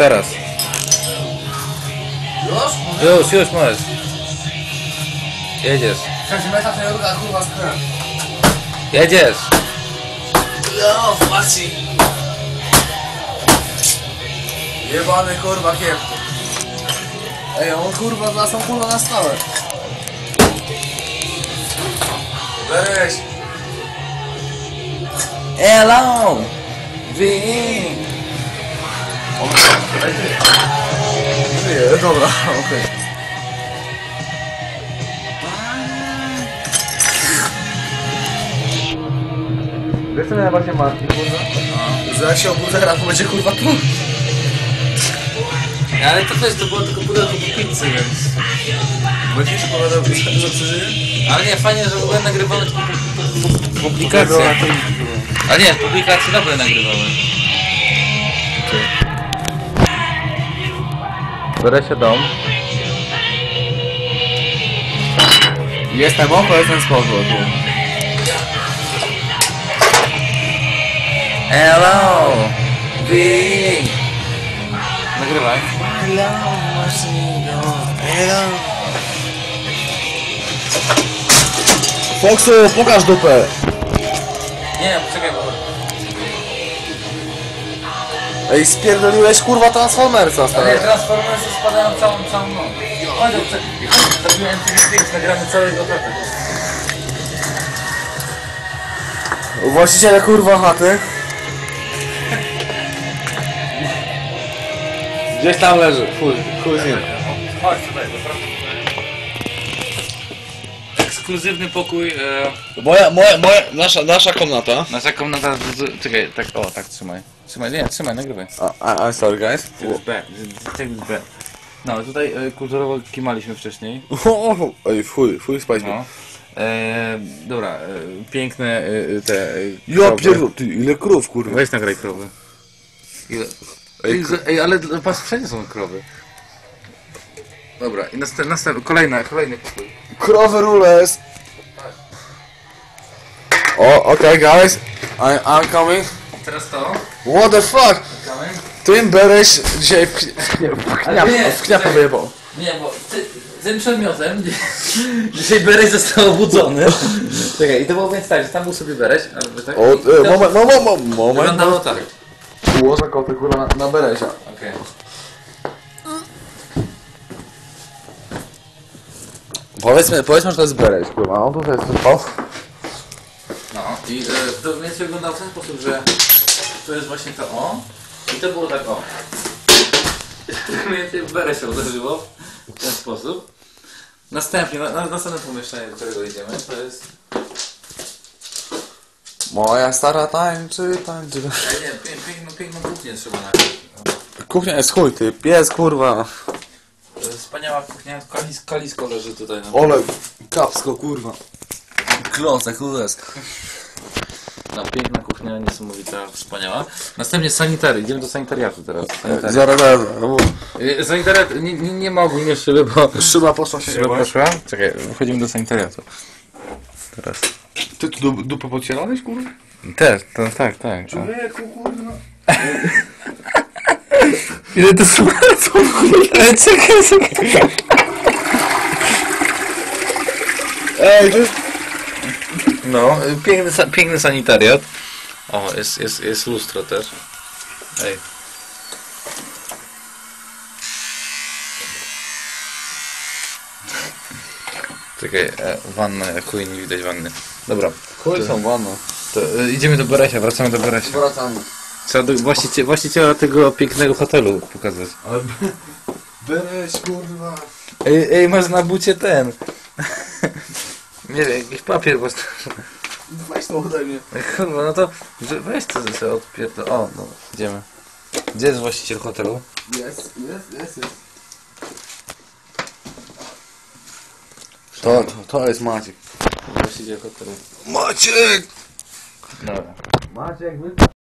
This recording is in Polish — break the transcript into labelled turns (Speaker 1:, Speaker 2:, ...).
Speaker 1: teraz. Już możesz. Jedziesz. Jedziesz.
Speaker 2: No, Maci. Jebany kurwa kiep. Ej, on kurwa za tą kulą na stałe. Weź.
Speaker 1: Hello!
Speaker 2: Nie, dobra, okej.
Speaker 1: Wiesz co mnie właśnie martwi, kurwa?
Speaker 2: Że jak się obudzę, teraz to będzie kurwa tu.
Speaker 1: Ale to też, to było tylko pudełko po pizzy, więc...
Speaker 2: Będziesz opowiadał, że przeżyję?
Speaker 1: Ale nie, fajnie, że w ogóle nagrywamy publikacje. A nie, publikacje dobre nagrywamy. Biorę się dom.
Speaker 2: Jestem oko, jestem spoko.
Speaker 1: Hello! Nagrywaj.
Speaker 2: Foxu, pokaż dupę!
Speaker 1: Nie, poczekaj, bo...
Speaker 2: Ej, spierdoliłeś kurwa Transformersa,
Speaker 1: Ale
Speaker 2: stary.
Speaker 1: Transformersy spadają całą noc. Chodź, zrobiłem zdjęć, nagramy całego kota.
Speaker 2: Właściciele kurwa chaty. Gdzieś tam leży, chuj z nim.
Speaker 1: Chodź tutaj, ekskluzywny pokój,
Speaker 2: Nasza komnata.
Speaker 1: nasza komnata, czekaj, tak, o, tak, trzymaj, nagrywaj.
Speaker 2: I'm sorry guys.
Speaker 1: Take this back. No, tutaj kulturowo kimaliśmy wcześniej,
Speaker 2: Ej, chuj spać.
Speaker 1: no. Dobra, piękne te
Speaker 2: Ja
Speaker 1: krowy.
Speaker 2: pierdol, ty, ile krów kurwa.
Speaker 1: Weź nagraj krowy. Ej, ale patrz, wszędzie są krowy. Dobra, i kolejny pokój.
Speaker 2: Krowy rules. O, okay guys. I'm coming.
Speaker 1: Teraz to.
Speaker 2: What the fuck? Ty Bereś dzisiaj w kniapę wyjebał.
Speaker 1: Nie, bo tym przedmiotem dzisiaj Bereś został obudzony. Czekaj, i to było więc tak, że tam był sobie Bereś, albo tak.
Speaker 2: O, moment.
Speaker 1: Wyglądało tak.
Speaker 2: Ułożę koty kurwa na Beresia.
Speaker 1: Okej.
Speaker 2: Powiedzmy, że to jest Bereś kurwa, on tutaj jest spał.
Speaker 1: No i to więc wyglądało w ten sposób, że to jest właśnie to o i to było tak o. Mniej więcej Bereś się uderzyło w ten sposób. Następnie, następne pomieszczenie, do którego idziemy, to jest...
Speaker 2: Moja stara tańczy.
Speaker 1: Nie, piękną kuchnię trzeba nagrać.
Speaker 2: Kuchnia jest chuj, ty, pies kurwa.
Speaker 1: Wspaniała kuchnia, kalisko leży tutaj.
Speaker 2: Ole, kapsko kurwa. Klocek, jest.
Speaker 1: No, piękna kuchnia, niesamowita, wspaniała. Następnie sanitary, idziemy do sanitariatu teraz.
Speaker 2: Zaraz.
Speaker 1: Sanitariat, nie ma ogólnie szyby, bo...
Speaker 2: Szyba poszła się
Speaker 1: Szyba poszła? Czekaj, wchodzimy do sanitariatu. Teraz.
Speaker 2: Ty tu dupę podcierałeś kurwa?
Speaker 1: Też, tak.
Speaker 2: Człowieku kurwa.
Speaker 1: Ile to smarcą, kurwa? Czekaj.
Speaker 2: Ej, to jest...
Speaker 1: No, piękny sanitariat. O, jest lustro też. Ej. Czekaj, wanna, chuj, nie widać wanny. Dobra.
Speaker 2: Chuj są wanna.
Speaker 1: To, idziemy do Beresia, wracamy do Beresia.
Speaker 2: Wracamy.
Speaker 1: Trzeba do właściciela tego pięknego hotelu pokazać.
Speaker 2: Ale... Bereś kurwa.
Speaker 1: Ej, masz na bucie ten. Nie wiem, jakiś papier, bo...
Speaker 2: Weź to ode mnie.
Speaker 1: Kurwa, no to weź to sobie odpierdol. O, no, idziemy. Gdzie jest właściciel hotelu?
Speaker 2: Jest. To jest Maciek.
Speaker 1: Właściciel hotelu.
Speaker 2: Maciek!
Speaker 1: Dobra.
Speaker 2: Maciek,